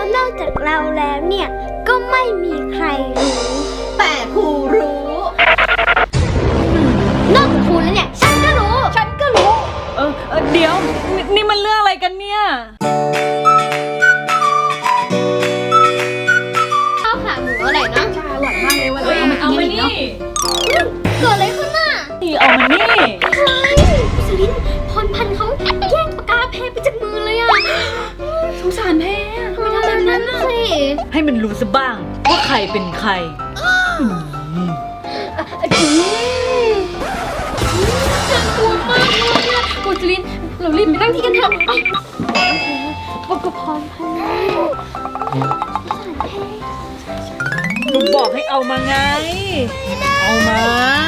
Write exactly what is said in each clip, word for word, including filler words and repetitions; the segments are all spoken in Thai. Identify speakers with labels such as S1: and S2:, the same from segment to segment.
S1: นอกจากเราแล้วเนี่ยก็ไม่มีใครรู้
S2: แต่ครูรู้
S1: นอกจากครูแล้วเนี่ยฉันก็รู้
S2: ฉันก็รู้
S3: เออเออเดี๋ยว นี่มันเรื่องอะไรกันเนี่ย
S1: ข้าวขาหมูอะไรนะ
S2: ชาอร่อยมากเลยวันนี้
S3: เอามานี่
S1: เกิดอะไรขึ้นน่ะ
S3: นี่เอามานี่
S1: เฮ้ยสลินพรพันธ์เขาแย่งปากกาแพ้ไปจากมือเลยอ่ะ
S2: สงสารแพ้
S1: ทำไมทำแบบนั้นน่ะสิ
S3: ให้มันรู้ซะบ้างว่าใครเป็นใคร
S1: น่ากลัวมากเลยเนี่ยกูสลินเรารีบไปตั้งที่กันเถอะไปปกพรพันธ์
S3: หนูบอกให้เอามาไงเอามา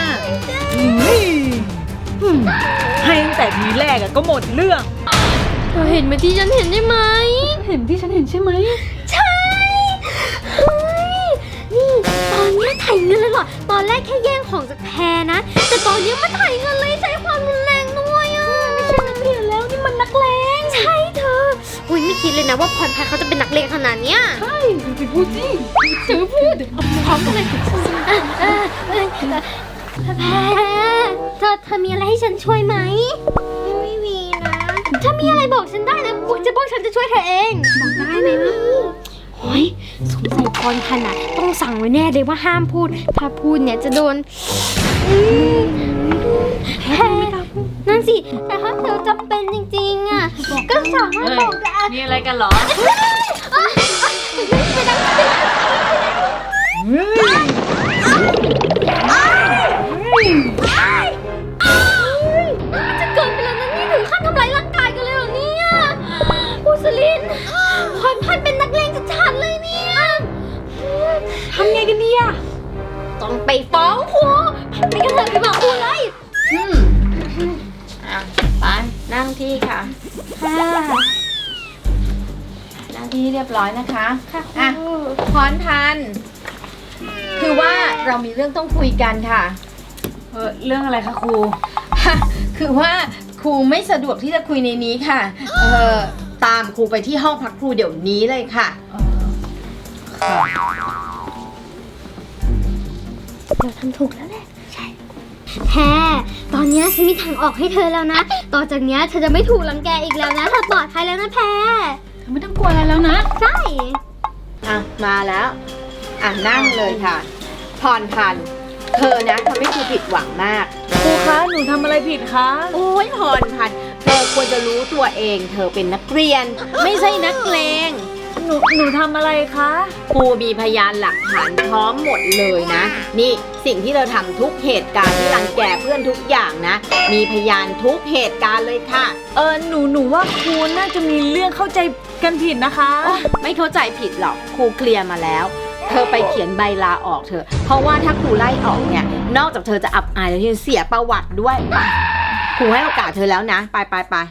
S3: ให้ตั้งแต่ทีแรกอะก็หมดเรื่อง
S1: เธอเห็นไหมที่ฉันเห็นได้ไหม
S3: เห็นที่ฉันเห็นใช่ไหม
S1: ใช่เฮ้ยนี่ตอนนี้ถ่ายเงินเลยเหรอตอนแรกแค่แย่งของจากแพรนะแต่ตอนนี้มาถ่ายเงินเลยใช้ความรุนแรงด้วยอ่ะไม่ใช่นักเรียนแล้วนี่มันนักเลงใช่เธออุ้ยไม่คิดเลยนะว่าพรพันธ์เขาจะเป็นนักเลงขนาดเนี้ย
S3: ใช่จริงๆพูดจริง
S1: เธอพูดพร้อมกันเลยเออเออแพรเธอเธอมีอะไรให้ฉันช่วยไหมไม่มีนะถ้ามีอะไรบอกฉันได้นะพวกจะพวกฉันจะช่วยเธอเองบอกได้ไหมนะโอ้ยสงสัยพรพันธ์อ่ะต้องสั่งไว้แน่เลยว่าห้ามพูดถ้าพูดเนี่ยจะโดนแพ้นั่นสิแต่ถ้าเธอจำเป็นจริงๆอ่ะก็สามารถบอกได้
S3: มีอะไรกันเหรอ
S1: จะเกินไปแล้วนะนี่ถึงขั้นทำร้ายร่างกายกันเลยเหรอเนี่ยปูสลินพรพันธ์เป็นนักเลงชัดๆเลยเนี่ย
S3: ทำไงกันเนี่ย
S1: ต้องไปฟ้องครูไปกันเถอะไปบอกครูเลย
S2: อืมอ่ะไปนั่งที่ค่ะ
S1: ค่ะ
S2: นั่งที่เรียบร้อยนะคะ
S1: ค่ะ
S2: อ่ะพรพันธ์คือว่าเรามีเรื่องต้องคุยกันค่ะ
S3: เออเรื่องอะไรคะครู
S2: คือว่าครูไม่สะดวกที่จะคุยในนี้ค่ะเออตามครูไปที่ห้องพักครูเดี๋ยวนี้เลยค่ะ
S3: ค่ะ
S1: เราทำถูกแล้วแหละใช่แพรตอนนี้ฉันมีทางออกให้เธอแล้วนะต่อจากนี้เธอจะไม่ถูกรังแกอีกแล้วนะเธอปลอดภัยแล้วนะแพร
S3: เธอไม่ต้องกลัวอะไรแล้วนะ
S1: ใช่
S2: อ่ะมาแล้วอ่ะนั่งเลยค่ะพรพันธ์เธอนะทำให้ครูผิดหวังมาก
S3: ครูคะหนูทำอะไรผิดคะ
S2: โอ้ยพรพันธ์เธอควรจะรู้ตัวเองเธอเป็นนักเรียนไม่ใช่นักเลง
S3: หนูหนูทำอะไรคะ
S2: ครูมีพยานหลักฐานพร้อมหมดเลยนะนี่สิ่งที่เราทำทุกเหตุการณ์ที่รังแกเพื่อนทุกอย่างนะมีพยานทุกเหตุการณ์เลยค่ะ
S3: เออหนูหนูว่าครูน่าจะมีเรื่องเข้าใจกันผิดนะคะ
S2: ไม่เข้าใจผิดหรอกครูเคลียร์มาแล้วเธอไปเขียนใบลาออกเถอะเพราะว่าถ้าครูไล่ออกเนี่ยนอกจากเธอจะอับอายแล้วยังเสียประวัติด้วยไปครูให้โอกาสเธอแล้วนะไปไปไป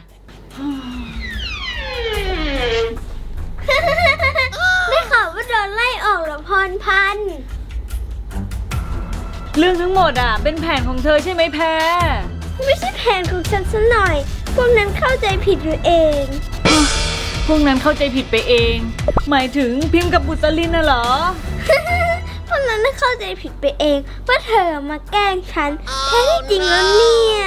S1: ได้ข่าวว่าโดนไล่ออกเหรอพรพันธ์
S3: เรื่องทั้งหมดอ่ะเป็นแผนของเธอใช่ไหมแพร
S1: ไม่ใช่แผนของฉันซะหน่อยพวกนั้นเข้าใจผิดอยู่เอง
S3: พวกนั้นเข้าใจผิดไปเองหมายถึงพิมพ์กับบุษลินน่ะเหรอ
S1: พวกนั้นเข้าใจผิดไปเองว่าเธอมาแกล้งฉันแท้ที่จริงแล้วเนี่ย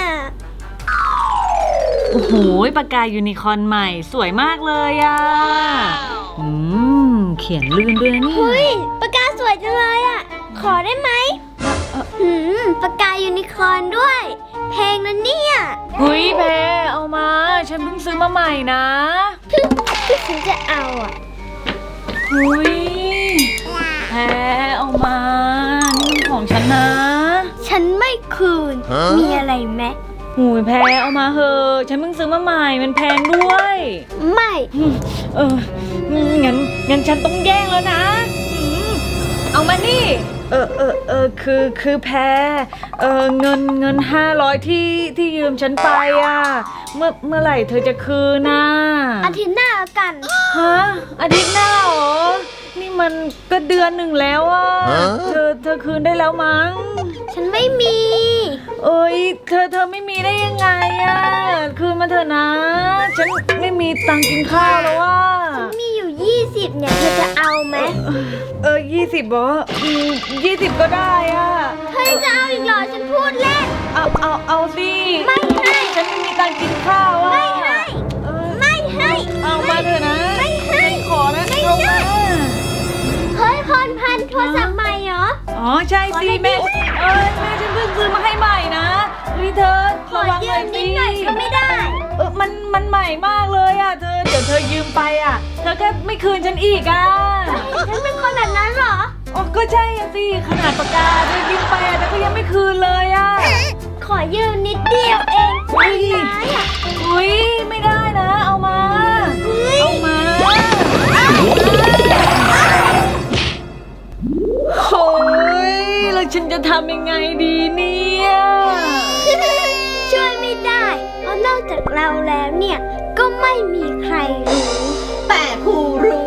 S3: โอ้โหปากกายูนิคอร์นใหม่สวยมากเลยอ่ะอืมเขียนลื่นด้วยนี่
S1: เฮ้ยปากกาสวยจังเลยอ่ะขอได้ไหมอืมปากกายูนิคอร์นด้วยเพลงนั้นเนี่ย
S3: เฮ้ยแพรเอามาฉันเพิ่งซื้อมาใหม่นะ
S1: ที่ฉันจะเอาอ่ะ
S3: เฮ้ยแพรเอามานี่ของฉันนะ
S1: ฉันไม่คืนมีอะไรไหม
S3: หูยแพรเอามาเถอะฉันเพิ่งซื้อมาใหม่มันแพงด้วย
S1: ไม่
S3: เอองั้นงั้นฉันต้องแย่งแล้วนะเอามานี่เออเออเออคือคือแพรเออเงินเงินห้าร้อยที่ที่ยืมฉันไปอ่ะเมื่อเมื่อไหร่เธอจะคืนน่ะ
S1: อาทิตย์หน้ากัน
S3: ฮะอาทิตย์หน้าเหรอนี่มันก็เดือนหนึ่งแล้วอ่ะเธอเธอคืนได้แล้วมั้ง
S1: ฉันไม่มี
S3: เอ้ยเธอเธอไม่มีได้ยังไงอะคืนมาเถอะนะฉันไม่มีตังค์กินข้าวแล้วว่า
S1: ฉันมีอยู่ยี่สิบเนี่ยเธอจะเอาไหม
S3: เออยี่สิบบออืมยี่สิบก็ได้อ่ะ
S1: เฮ้ยจะเอาอีกเหรอฉันพูดเล่น
S3: เอาเอาเอาสิ
S1: ไม่ให้
S3: ฉันไม่มีตังค์กินข้าวอ่ะ
S1: ไม่ให้
S3: เออ
S1: ไม่ให้
S3: เอามาเถอะนะ
S1: ไม่ให้
S3: ขอนะ
S1: ไม่
S3: ลง
S1: ได้
S3: มา
S1: เฮ้ยพรพันธุ์โทรศัพท์ใหม่เหรอ
S3: อ๋อใช่สิแม่เออแม่ฉันเพิ่งซื้อมาให้ใหม่นะเฮ้ยเธอ
S1: ขอ
S3: ระวังห
S1: ยื
S3: น่อย
S1: ม
S3: สิ
S1: นิดหน่อยก็ไม่ได้
S3: เออมันมันใหม่มากเลยอ่ะเธอเดี๋ยวเธอยืมไปอ่ะเธอแค่ไม่คืนฉันอีกอ่ะ
S1: ฉันเป็นคนแบบนั้นเหรอ
S3: อ๋อก็ใช่อะสิขนาดปากกาเธอยืมไปอ่ะแต่ก็ยังไม่คืนเลยอ่ะ
S1: ขอยืมนิดเดียวเองไม่ได้อะ
S3: อุ้ยไม่ได้นะเอามา
S1: เฮ้ย
S3: เอามาโอ้ยแล้วฉันจะทำยังไงดีเนี่ย
S1: ช่วยไม่ได้ เพราะนอกจากเราแล้วเนี่ย ก็ไม่มีใครรู้
S2: แต่ครูรู้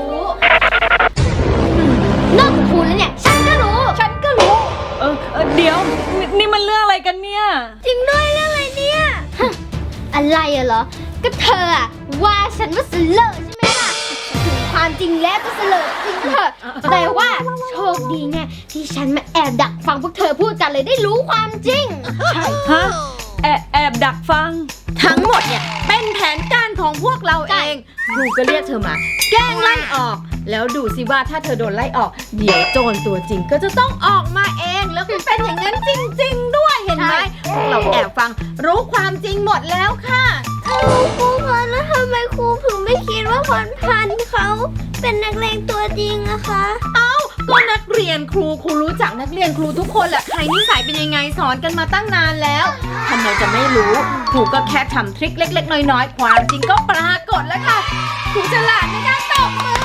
S1: นอกจากคุณแล้วเนี่ย ฉันก็รู้
S3: ฉันก็รู้ เออเออเดี๋ยวนี่นี่มันเรื่องอะไรกันเนี่ย
S1: จริงด้วยเรื่องอะไรเนี่ยฮะอะไรอะเหรอ ก็เธออะว่าฉันว่าเสลอใช่ไหมล่ะถึงความจริงแล้วก็เสลอจริงเถอะแต่ว่าโชคดีไงที่ฉันมาแอบดักฟังพวกเธอพูดกันเลยได้รู้ความจริง
S3: ฮะแอบแอบดักฟัง
S2: ทั้งหมดเนี่ยเป็นแผนการของพวกเราเอง ครูก็เรียกเธอมา แกล้งไล่ออก แล้วดูสิว่าถ้าเธอโดนไล่ออก เดี๋ยวโจรตัวจริงก็จะต้องออกมาเอง แล้วก็เป็นอย่างนั้นจริง ๆ ด้วยเห็นไหมพวกเราแอบฟังรู้ความจริงหมดแล้วค่ะ
S1: ครูครูพันธุ์แล้วทำไมครูถึงไม่คิดว่าพรพันธุ์เขาเป็นนักเลงตัวจริงอะคะ
S2: เอ้าก็นักเรียนครูครูรู้จักนักเรียนครูทุกคนแหละใครนิสัยเป็นยังไงสอนกันมาตั้งนานแล้วทำไมจะไม่รู้ครูก็แค่ทำทริคเล็ก ๆ น้อยๆความจริงก็ปรากฏแล้วค่ะครูฉลาดในการตบมือ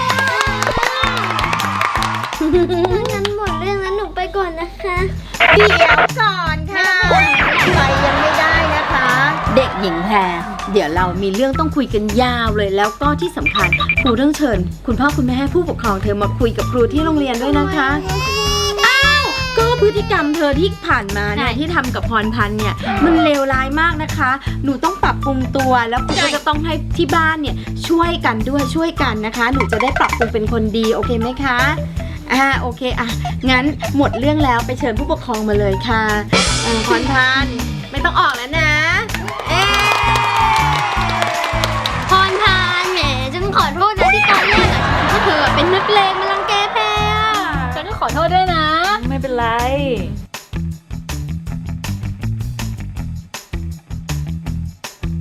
S1: งั้นหมดเรื่องแล้วหนูไปก่อนนะคะ
S2: เดี๋ยวก่อนค่ะไปยังไม่ได้นะคะ เด็กหญิงแพรเดี๋ยวเรามีเรื่องต้องคุยกันยาวเลยแล้วก็ที่สำคัญครูต้องเชิญ คุณพ่อคุณแม่ให้ผู้ปกครองเธอมาคุยกับครูที่โรงเรียนด้วยนะคะอ้าวก็พฤติกรรมเธอที่ผ่านมาเนี่ยที่ทำกับพรพันธ์เนี่ยมันเลวร้ายมากนะคะ หนูต้องปรับปรุงตัวแล้วครูก็จะต้องให้ที่บ้านเนี่ยช่วยกันด้วยช่วยกันนะคะ หนูจะได้ปรับปรุงเป็นคนดีโอเคไหมคะอ่าโอเคอ่ะงั้นหมดเรื่องแล้วไปเชิญผู้ปกครองมาเลยค่ะเอ่อพรพันธ์ไม่ต้องออกแล้วนะเอ๊ะ
S1: พรพันธุ์แหมฉันขอโทษนะที่ตอนแรกอะฉันคิดว่าเธอเป็นนักเลงมารังแกแพรอะ
S3: ฉันก็ขอโทษด้วยนะ ไม่เป็นไร